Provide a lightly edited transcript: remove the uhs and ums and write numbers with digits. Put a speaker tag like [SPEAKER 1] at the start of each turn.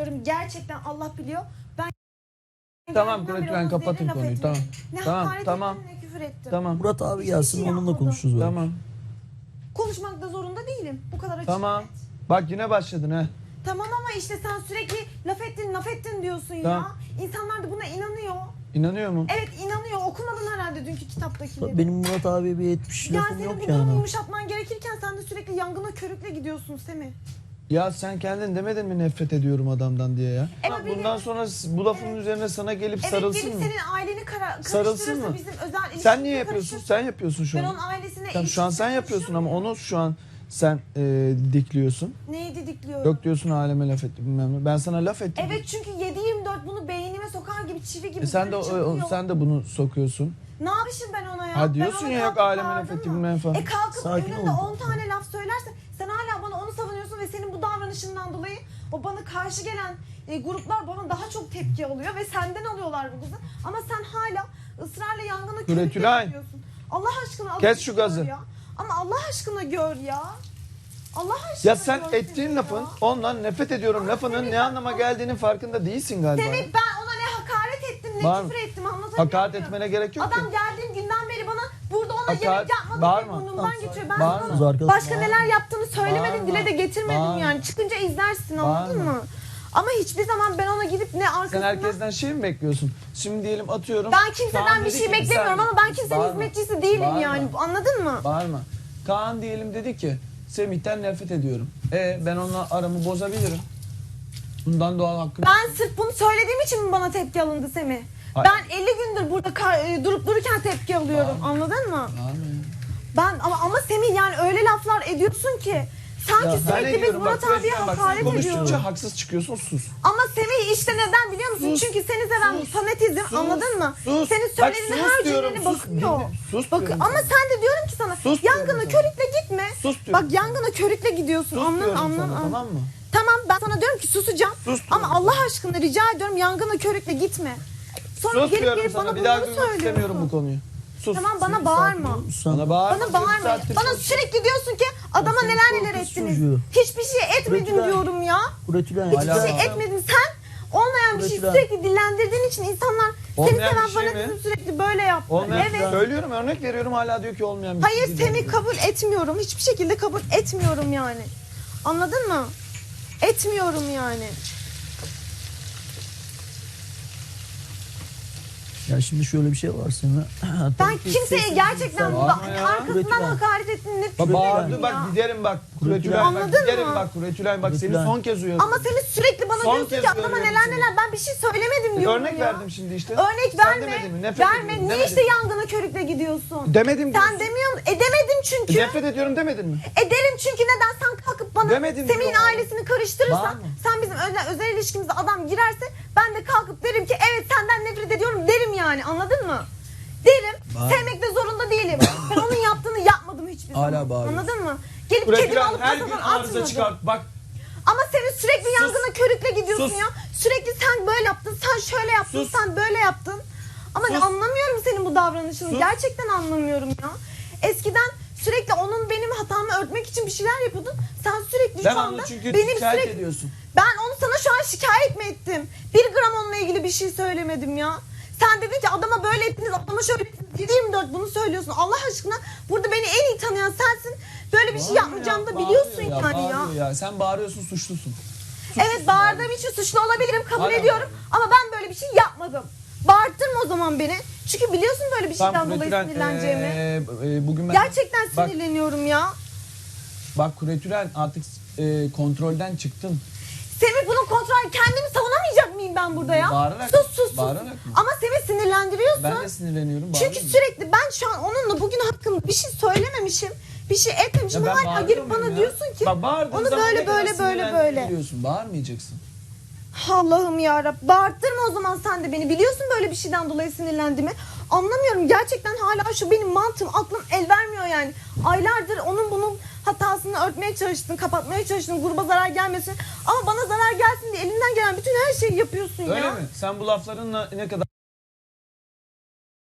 [SPEAKER 1] söylüyorum. Gerçekten Allah biliyor. Ben
[SPEAKER 2] Tamam Kuretülen, kapatın konuyu. Tamam.
[SPEAKER 1] Ne
[SPEAKER 2] Tamam,
[SPEAKER 1] hakaret
[SPEAKER 2] tamam.
[SPEAKER 1] ettim, ne küfür ettim.
[SPEAKER 2] Tamam.
[SPEAKER 3] Murat abi
[SPEAKER 1] Hiçbir
[SPEAKER 3] gelsin
[SPEAKER 1] şey
[SPEAKER 3] onunla
[SPEAKER 1] yapmadım.
[SPEAKER 3] konuşuruz böyle.
[SPEAKER 2] Tamam.
[SPEAKER 1] Konuşmak da zorunda değilim. Bu kadar açık.
[SPEAKER 2] Tamam.
[SPEAKER 1] net.
[SPEAKER 2] Bak yine başladın ha.
[SPEAKER 1] Tamam ama işte sen sürekli laf ettin diyorsun
[SPEAKER 2] Tamam.
[SPEAKER 1] ya. İnsanlar da buna inanıyor.
[SPEAKER 2] İnanıyor mu?
[SPEAKER 1] Evet inanıyor. Okumadın herhalde dünkü kitaptakileri.
[SPEAKER 3] Benim Murat abiye bir etmiş
[SPEAKER 1] Ya
[SPEAKER 3] lafım
[SPEAKER 1] senin
[SPEAKER 3] yok
[SPEAKER 1] bu durumu
[SPEAKER 3] yani.
[SPEAKER 1] yumuşatman gerekirken sen de sürekli yangına körükle gidiyorsun Semih.
[SPEAKER 2] Ya sen kendin demedin mi nefret ediyorum adamdan diye ya?
[SPEAKER 1] Evet,
[SPEAKER 2] Bundan sonra bu lafın üzerine sana gelip
[SPEAKER 1] Evet
[SPEAKER 2] sarılsın
[SPEAKER 1] gelip
[SPEAKER 2] mı?
[SPEAKER 1] senin aileni
[SPEAKER 2] Sarılsın
[SPEAKER 1] karıştırırsa
[SPEAKER 2] mı?
[SPEAKER 1] bizim özel ilişkimize
[SPEAKER 2] Sen niye yapıyorsun?
[SPEAKER 1] karışır.
[SPEAKER 2] Sen yapıyorsun şu
[SPEAKER 1] Ben
[SPEAKER 2] an.
[SPEAKER 1] onun ailesine
[SPEAKER 2] Tamam, şu an sen
[SPEAKER 1] ilişkisine
[SPEAKER 2] yapıyorsun ama
[SPEAKER 1] karışıyorum.
[SPEAKER 2] onu şu an sen dikliyorsun.
[SPEAKER 1] Neyi didikliyorum?
[SPEAKER 2] Yok diyorsun aleme laf etti bilmem ne. Ben sana laf ettim.
[SPEAKER 1] Evet çünkü 7/24 bunu beynime sokar gibi çivi gibi.
[SPEAKER 2] Sen de
[SPEAKER 1] çakıyor.
[SPEAKER 2] sen de bunu sokuyorsun.
[SPEAKER 1] Ne yapmışım ben ona ya?
[SPEAKER 2] Ha diyorsun
[SPEAKER 1] Ben ona
[SPEAKER 2] ya yok
[SPEAKER 1] kalkıp
[SPEAKER 2] aleme laf
[SPEAKER 1] bağırdım
[SPEAKER 2] etti
[SPEAKER 1] mı?
[SPEAKER 2] bilmem ne falan.
[SPEAKER 1] Kalkıp
[SPEAKER 3] Sakin
[SPEAKER 1] önünde
[SPEAKER 3] ol.
[SPEAKER 1] 10 tane laf söylerse sen hala bana onu savunuyorsun ve senin bu davranışından dolayı o bana karşı gelen gruplar bana daha çok tepki alıyor ve senden alıyorlar bu kızı. Ama sen hala ısrarla yangına körükle
[SPEAKER 2] Kuretülen.
[SPEAKER 1] gidiyorsun. Allah aşkına
[SPEAKER 2] Kes
[SPEAKER 1] azıcık
[SPEAKER 2] şu
[SPEAKER 1] gör
[SPEAKER 2] gazı.
[SPEAKER 1] ya. Ama Allah aşkına gör ya. Allah aşkına
[SPEAKER 2] Ya sen
[SPEAKER 1] gör
[SPEAKER 2] ettiğin
[SPEAKER 1] Semih
[SPEAKER 2] lafın
[SPEAKER 1] ya.
[SPEAKER 2] ondan nefret ediyorum lafının
[SPEAKER 1] Semih
[SPEAKER 2] ne
[SPEAKER 1] bak,
[SPEAKER 2] anlama geldiğinin farkında değilsin galiba.
[SPEAKER 1] Semih ben ona ne hakaret ettim ne
[SPEAKER 2] Bağırma.
[SPEAKER 1] küfür ettim anlatabiliyor
[SPEAKER 2] Hakaret
[SPEAKER 1] muyum?
[SPEAKER 2] etmene gerek yok ki.
[SPEAKER 1] Adam geldiğim günden beri bana burada ona
[SPEAKER 2] Hakaret-
[SPEAKER 1] yemek yapmadı
[SPEAKER 2] Bağırma.
[SPEAKER 1] diye burnumdan geçiyor. Ben
[SPEAKER 2] Bağırma.
[SPEAKER 1] sana
[SPEAKER 3] Arkadaşım,
[SPEAKER 1] başka
[SPEAKER 3] bağırma.
[SPEAKER 1] neler yaptığını söylemedim
[SPEAKER 2] Bağırma.
[SPEAKER 1] dile de getirmedim
[SPEAKER 2] Bağırma.
[SPEAKER 1] yani. Çıkınca izlersin anladın
[SPEAKER 2] Bağırma.
[SPEAKER 1] mı? Ama hiçbir zaman ben ona gidip ne
[SPEAKER 2] Sen
[SPEAKER 1] arkasından...
[SPEAKER 2] herkesten şey mi bekliyorsun? Şimdi diyelim atıyorum.
[SPEAKER 1] Ben kimseden
[SPEAKER 2] Kaan
[SPEAKER 1] bir
[SPEAKER 2] dedi
[SPEAKER 1] şey
[SPEAKER 2] ki,
[SPEAKER 1] beklemiyorum
[SPEAKER 2] sen-
[SPEAKER 1] ama ben kimsenin
[SPEAKER 2] Bağırma.
[SPEAKER 1] hizmetçisi değilim
[SPEAKER 2] Bağırma.
[SPEAKER 1] yani. Anladın mı?
[SPEAKER 2] Bağırma. Kaan diyelim dedi ki Semih'ten nefret ediyorum. Ben onunla aramı bozabilirim. Bundan doğal hakkım.
[SPEAKER 1] Ben sırf bunu söylediğim için mi bana tepki alındı Semih?
[SPEAKER 2] Hayır.
[SPEAKER 1] Ben 50 gündür burada durup dururken tepki alıyorum. Anladın mı?
[SPEAKER 2] Bağırma ya.
[SPEAKER 1] Ben ama Semih yani öyle laflar ediyorsun ki sanki
[SPEAKER 2] Ya ben
[SPEAKER 1] sürekli biz
[SPEAKER 2] ediyorum,
[SPEAKER 1] Murat
[SPEAKER 2] bak,
[SPEAKER 1] abiye
[SPEAKER 2] bak,
[SPEAKER 1] hakaret
[SPEAKER 2] sen konuştukça
[SPEAKER 1] ediyoruz.
[SPEAKER 2] haksız çıkıyorsun, sus.
[SPEAKER 1] Ama Semih işte neden biliyor musun?
[SPEAKER 2] Sus,
[SPEAKER 1] Çünkü seni seven
[SPEAKER 2] sus,
[SPEAKER 1] fanatizm
[SPEAKER 2] sus,
[SPEAKER 1] anladın mı?
[SPEAKER 2] sus.
[SPEAKER 1] Senin
[SPEAKER 2] Bak,
[SPEAKER 1] söylediğin
[SPEAKER 2] sus
[SPEAKER 1] her
[SPEAKER 2] diyorum,
[SPEAKER 1] cümlene
[SPEAKER 2] sus,
[SPEAKER 1] bakıyor.
[SPEAKER 2] dinle, sus diyorum
[SPEAKER 1] Ama
[SPEAKER 2] sana.
[SPEAKER 1] sen de diyorum ki sana
[SPEAKER 2] Sus diyorum
[SPEAKER 1] yangına
[SPEAKER 2] sana.
[SPEAKER 1] körükle gitme.
[SPEAKER 2] Sus diyorum
[SPEAKER 1] Bak yangına körükle gidiyorsun.
[SPEAKER 2] Sus
[SPEAKER 1] Anladın
[SPEAKER 2] diyorum
[SPEAKER 1] anladın.
[SPEAKER 2] sana, tamam mı?
[SPEAKER 1] Tamam ben sana diyorum ki susacağım.
[SPEAKER 2] Sus
[SPEAKER 1] Ama
[SPEAKER 2] diyorum
[SPEAKER 1] Allah aşkına rica ediyorum yangına körükle gitme. Sonra
[SPEAKER 2] Sus
[SPEAKER 1] gelip
[SPEAKER 2] diyorum
[SPEAKER 1] gelip
[SPEAKER 2] sana,
[SPEAKER 1] bana
[SPEAKER 2] bir daha
[SPEAKER 1] bunları
[SPEAKER 2] duymak istemiyorum bu
[SPEAKER 1] söylüyorsun.
[SPEAKER 2] konuyu. Sus.
[SPEAKER 1] Tamam bana
[SPEAKER 3] Sakin
[SPEAKER 1] bağırma.
[SPEAKER 3] ol, sen-
[SPEAKER 2] Bana bağırma.
[SPEAKER 1] Bana
[SPEAKER 2] Bir
[SPEAKER 1] bağırma.
[SPEAKER 2] saattir
[SPEAKER 1] Bana
[SPEAKER 2] sus.
[SPEAKER 1] sürekli diyorsun ki adama
[SPEAKER 3] senin
[SPEAKER 1] neler
[SPEAKER 3] korkunç
[SPEAKER 1] neler ettiniz.
[SPEAKER 3] çocuğu.
[SPEAKER 1] Hiçbir şey etmedim
[SPEAKER 3] Kuretülen.
[SPEAKER 1] diyorum ya.
[SPEAKER 3] Kuretülen.
[SPEAKER 1] Hiçbir
[SPEAKER 2] Hala-
[SPEAKER 1] şey etmedin. Sen olmayan bir şey
[SPEAKER 3] Kuretülen.
[SPEAKER 1] sürekli dillendirdiğin için insanlar seni
[SPEAKER 2] Olmayan
[SPEAKER 1] seven
[SPEAKER 2] bir şey mi?
[SPEAKER 1] fanatizm sürekli böyle yaptı.
[SPEAKER 2] Olmayan
[SPEAKER 1] Evet.
[SPEAKER 2] söylüyorum, örnek veriyorum, hala diyor ki olmayan bir
[SPEAKER 1] Hayır
[SPEAKER 2] şey değil.
[SPEAKER 1] seni kabul etmiyorum. Hiçbir şekilde kabul etmiyorum yani. Anladın mı? Etmiyorum yani.
[SPEAKER 3] Ya şimdi şöyle bir şey var Semih.
[SPEAKER 1] Ben
[SPEAKER 3] Tabii ki
[SPEAKER 1] kimseye
[SPEAKER 3] sessiz
[SPEAKER 1] gerçekten
[SPEAKER 3] insan.
[SPEAKER 1] burada
[SPEAKER 2] Bağırma ya.
[SPEAKER 1] arkasından
[SPEAKER 3] Kuretülen.
[SPEAKER 1] hakaret ettiğini
[SPEAKER 2] Bak
[SPEAKER 1] ne
[SPEAKER 2] bağırdı
[SPEAKER 1] ya?
[SPEAKER 2] bak, giderim bak.
[SPEAKER 3] Kuretülen.
[SPEAKER 2] Kuretülen bak,
[SPEAKER 1] Anladın
[SPEAKER 2] giderim
[SPEAKER 1] mı?
[SPEAKER 2] bak Kuretülen bak, seni
[SPEAKER 3] Kuretülen.
[SPEAKER 2] son kez uyarıyorum.
[SPEAKER 1] Ama seni sürekli bana
[SPEAKER 2] Son
[SPEAKER 1] diyorsun
[SPEAKER 2] kez
[SPEAKER 1] ki adama
[SPEAKER 2] uyarıyorum
[SPEAKER 1] neler
[SPEAKER 2] seni.
[SPEAKER 1] neler ben bir şey söylemedim diyorum
[SPEAKER 2] Örnek
[SPEAKER 1] ya.
[SPEAKER 2] verdim şimdi işte.
[SPEAKER 1] Örnek
[SPEAKER 2] Sen
[SPEAKER 1] verme.
[SPEAKER 2] demedin mi? Nefret
[SPEAKER 1] Verme.
[SPEAKER 2] ediyorum
[SPEAKER 1] Niye
[SPEAKER 2] demedin.
[SPEAKER 1] işte yangına körükle gidiyorsun?
[SPEAKER 2] Demedim
[SPEAKER 1] Sen
[SPEAKER 2] diyorsun.
[SPEAKER 1] demiyor musun? Demedim çünkü.
[SPEAKER 2] Nefret ediyorum demedin mi?
[SPEAKER 1] Ederim çünkü neden sen kalkıp bana
[SPEAKER 2] Demedim
[SPEAKER 1] Semih'in
[SPEAKER 2] diyorum.
[SPEAKER 1] ailesini karıştırırsan
[SPEAKER 2] Bağırma.
[SPEAKER 1] sen bizim özel ilişkimize adam girerse ben de kalkıp derim ki evet senden nefret ediyorum derim yani anladın mı? Derim.
[SPEAKER 3] Bağırma.
[SPEAKER 1] Sevmek de zorunda değilim. Ben onun yaptığını yapmadım hiçbir
[SPEAKER 3] Hala
[SPEAKER 1] zaman.
[SPEAKER 3] bağırıyorsun.
[SPEAKER 1] Anladın mı? Gelip kedimi
[SPEAKER 2] Kuretülen
[SPEAKER 1] alıp
[SPEAKER 2] her gün
[SPEAKER 1] kasadan
[SPEAKER 2] arıza
[SPEAKER 1] atmadım.
[SPEAKER 2] çıkart. Bak
[SPEAKER 1] Ama senin sürekli yangına körükle gidiyorsun
[SPEAKER 2] Sus.
[SPEAKER 1] ya. Sürekli sen böyle yaptın, sen şöyle yaptın,
[SPEAKER 2] Sus.
[SPEAKER 1] sen böyle yaptın. Ama
[SPEAKER 2] Sus.
[SPEAKER 1] anlamıyorum senin bu davranışını.
[SPEAKER 2] Sus.
[SPEAKER 1] Gerçekten anlamıyorum ya. Eskiden sürekli onun benim hatamı örtmek için bir şeyler yapıyordun. Sen sürekli
[SPEAKER 2] ben
[SPEAKER 1] şu anda
[SPEAKER 2] onu çünkü
[SPEAKER 1] benim
[SPEAKER 2] şikayet
[SPEAKER 1] sürekli...
[SPEAKER 2] ediyorsun.
[SPEAKER 1] Ben onu sana şu an şikayet mi ettim? 1 gram onunla ilgili bir şey söylemedim ya. Sen dedin ki adama böyle ettiniz, adama şöyle ettiniz. 7/24 bunu söylüyorsun. Allah aşkına burada beni en iyi tanıyan sensin. Böyle bir şey yapmayacağımı da biliyorsun yani ya.
[SPEAKER 2] Bağırıyor ya. Sen bağırıyorsun, suçlusun.
[SPEAKER 1] Evet bağırdığım için suçlu olabilirim kabul
[SPEAKER 2] Hala
[SPEAKER 1] ediyorum. Ama ben böyle bir şey yapmadım. Bağırttırma o zaman beni. Çünkü biliyorsun böyle bir şeyden dolayı
[SPEAKER 2] Kuretülen,
[SPEAKER 1] sinirleneceğimi.
[SPEAKER 2] bugün ben...
[SPEAKER 1] Gerçekten
[SPEAKER 2] Bak-
[SPEAKER 1] sinirleniyorum ya.
[SPEAKER 2] Bak Kuretülen artık kontrolden çıktın.
[SPEAKER 1] Semih bunun kontrolü kendimi savunamayacak mıyım ben burada ya?
[SPEAKER 2] Bağırarak-
[SPEAKER 1] Sus.
[SPEAKER 2] bağırarak mı?
[SPEAKER 1] Ama Semih sinirlendiriyorsun.
[SPEAKER 2] Ben de sinirleniyorum.
[SPEAKER 1] Çünkü
[SPEAKER 2] bağırıyorum.
[SPEAKER 1] sürekli ben şu an onunla bugün hakkında bir şey söylememişim. Bir şey etmemişim.
[SPEAKER 2] Ya ben
[SPEAKER 1] Hala
[SPEAKER 2] bağırıyor
[SPEAKER 1] gelip
[SPEAKER 2] muyum
[SPEAKER 1] bana
[SPEAKER 2] ya?
[SPEAKER 1] diyorsun ki
[SPEAKER 2] Bak bağırdığın
[SPEAKER 1] onu
[SPEAKER 2] zaman
[SPEAKER 1] böyle
[SPEAKER 2] ne kadar
[SPEAKER 1] böyle böyle
[SPEAKER 2] sinirlendiğini
[SPEAKER 1] böyle.
[SPEAKER 2] biliyorsun. Bağırmayacaksın.
[SPEAKER 1] Allah'ım yarabbim. Bağırttırma o zaman sen de beni. Biliyorsun böyle bir şeyden dolayı sinirlendiğimi. Anlamıyorum. Gerçekten hala şu benim mantığım, aklım el vermiyor yani. Aylardır onun bunun hatasını örtmeye çalıştın, kapatmaya çalıştın, gruba zarar gelmesin. Ama bana zarar gelsin diye elinden gelen bütün her şeyi yapıyorsun
[SPEAKER 2] Öyle
[SPEAKER 1] ya.
[SPEAKER 2] mi? Sen bu laflarınla ne kadar